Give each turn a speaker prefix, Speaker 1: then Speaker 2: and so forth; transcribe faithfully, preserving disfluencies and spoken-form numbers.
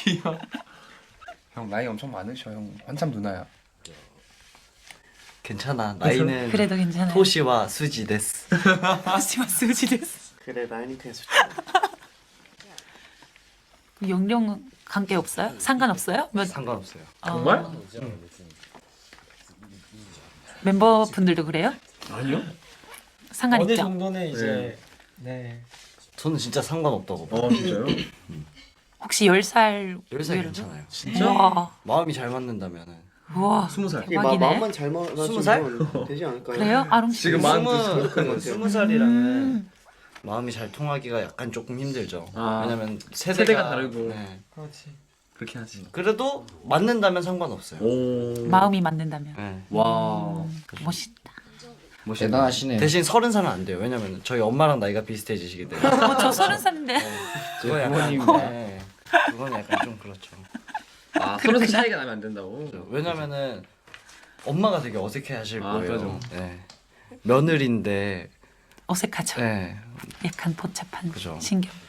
Speaker 1: 귀여워. 형 나이 엄청 많으셔. 형 한참 누나야.
Speaker 2: 괜찮아. 나이는
Speaker 3: 그래도 괜찮아요.
Speaker 2: 토시와 수지 데스.
Speaker 3: 토시와 수지 데스.
Speaker 4: 그래 나이는 계속.
Speaker 3: 연령 관계 없어요? 상관없어요? 몇
Speaker 2: 상관없어요.
Speaker 1: 정말?
Speaker 3: 어, 멤버분들도 그래요?
Speaker 1: 아니요.
Speaker 3: 상관
Speaker 4: 어느
Speaker 3: 있죠?
Speaker 4: 정도는 이제 네.
Speaker 2: 저는 진짜 상관없다고 봐요.
Speaker 1: 어 진짜요?
Speaker 3: 혹시 열 살
Speaker 2: 열 살
Speaker 3: 위로?
Speaker 2: 괜찮아요.
Speaker 1: 진짜?
Speaker 3: 우와,
Speaker 2: 마음이 잘 맞는다면은.
Speaker 3: 우와,
Speaker 1: 스무 살.
Speaker 4: 이게 마,
Speaker 3: 대박이네.
Speaker 4: 마음만 잘 맞으면
Speaker 2: 스무 살?
Speaker 4: 되지 않을까요?
Speaker 3: 그래요? 아름 씨.
Speaker 1: 지금 마흔 두 살.
Speaker 2: 스무 스무 살이랑은
Speaker 3: 음.
Speaker 2: 마음이 잘 통하기가 약간 조금 힘들죠.
Speaker 1: 아,
Speaker 2: 왜냐면 세대가,
Speaker 1: 세대가 다르고.
Speaker 2: 네.
Speaker 4: 그렇지.
Speaker 1: 그렇게 하지.
Speaker 2: 그래도 맞는다면 상관없어요.
Speaker 1: 오.
Speaker 3: 마음이 맞는다면.
Speaker 2: 네.
Speaker 1: 와.
Speaker 3: 음, 멋있다.
Speaker 1: 멋있다.
Speaker 5: 대단하시네.
Speaker 2: 대신 서른 살은 안 돼요. 왜냐면 저희 엄마랑 나이가 비슷해지시기 때문에.
Speaker 3: 어, 저 서른 살인데.
Speaker 2: 그거 약간
Speaker 5: 부모님이네.
Speaker 2: 네. 그건 약간 좀 그렇죠.
Speaker 1: 아 서른 살 차이가 나면 안 된다고.
Speaker 2: 왜냐면은 엄마가 되게 어색해하실
Speaker 1: 아,
Speaker 2: 거예요.
Speaker 1: 그죠.
Speaker 2: 네. 며느리인데,
Speaker 3: 어색하죠.
Speaker 2: 네.
Speaker 3: 약간 복잡한
Speaker 2: 그죠.
Speaker 3: 신경.